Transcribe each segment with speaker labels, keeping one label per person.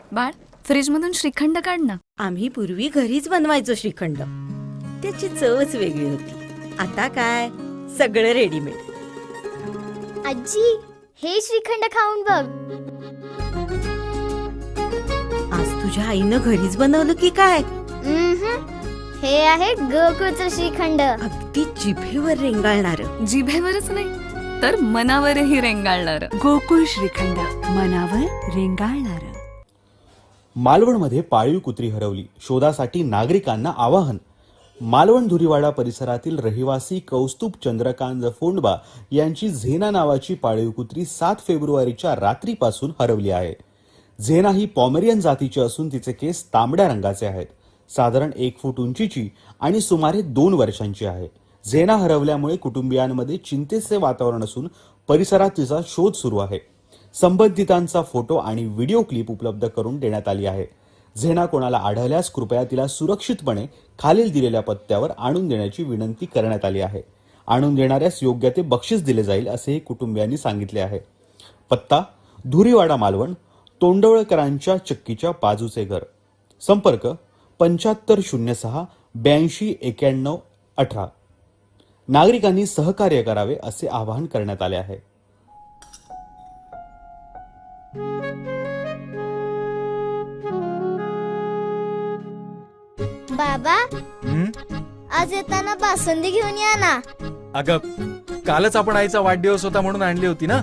Speaker 1: बाळ, फ्रीज मधून श्रीखंड काढ ना.
Speaker 2: आम्ही पूर्वी घरीच बनवायचो श्रीखंड. त्याची चवच वेगळी होती. आता काय सगळं रेडीमेड.
Speaker 3: आजी, हे श्रीखंड खाऊन बघ.
Speaker 2: आज तुझ्या आईनं घरीच बनवलं की काय?
Speaker 3: हे आहे गोकुळचं श्रीखंड.
Speaker 2: अगदी जिभेवर रेंगाळणार.
Speaker 1: जिभेवरच नाही तर मनावरही रेंगाळणार.
Speaker 4: गोकुळ श्रीखंड, मनावर रेंगाळणार.
Speaker 5: मालवणमध्ये पाळीव कुत्री हरवली. शोधासाठी नागरिकांना आवाहन. मालवण धुरीवाडा परिसरातील रहिवासी कौस्तुभ चंद्रकांत फोंडबा यांची झेना नावाची पाळीव कुत्री 7 फेब्रुवारीच्या रात्रीपासून हरवली आहे. झेना ही पॉमेरियन जातीची असून तिचे केस तांबड्या रंगाचे आहेत. साधारण 1 फूट उंचीची आणि सुमारे 2 वर्षांची आहे. झेना हरवल्यामुळे कुटुंबियांमध्ये चिंतेचे वातावरण असून परिसरात तिचा शोध सुरू आहे. संबंधितांचा फोटो आणि व्हिडिओ क्लिप उपलब्ध करून देण्यात आली आहे. झेना कोणाला आढळल्यास कृपया तिला सुरक्षितपणे खालील दिलेल्या पत्त्यावर आणून देण्याची विनंती करण्यात आली आहे. आणून देणाऱ्यास योग्य ते बक्षीस दिले जाईल असेही कुटुंबियांनी सांगितले आहे. पत्ता: धुरीवाडा मालवण, तोंडवळकरांच्या चक्कीच्या बाजूचे घर. संपर्क: 7506 82 91 18. नागरिकांनी सहकार्य करावे असे आवाहन करण्यात आले आहे.
Speaker 3: बाबा, आज येताना बासुंदी घेऊन या ना.
Speaker 6: अगं, कालच आपण आईचा वाढदिवस होता म्हणून आणली होती ना.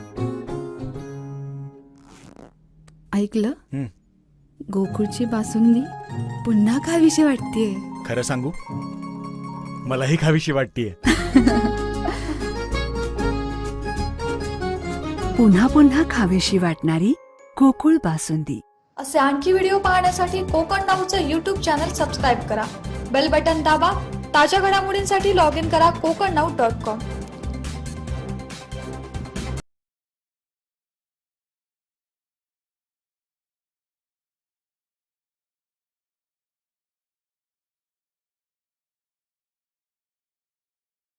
Speaker 4: ऐकलं? गोकुळची बासुंदी पुन्हा खावीशी वाटतेय.
Speaker 6: खरं सांगू, मलाही खावीशी वाटतेय.
Speaker 4: पुन्हा पुन्हा खावीशी वाटणारी गोकुळ बासुंदी.
Speaker 7: असे आणखी व्हिडिओ पाहण्यासाठी कोकण नाऊचं यूट्यूब चॅनल सबस्क्राईब करा. बेल बटन दाबा. ताज्या घडामोडींसाठी लॉग इन करा kokarnau.com.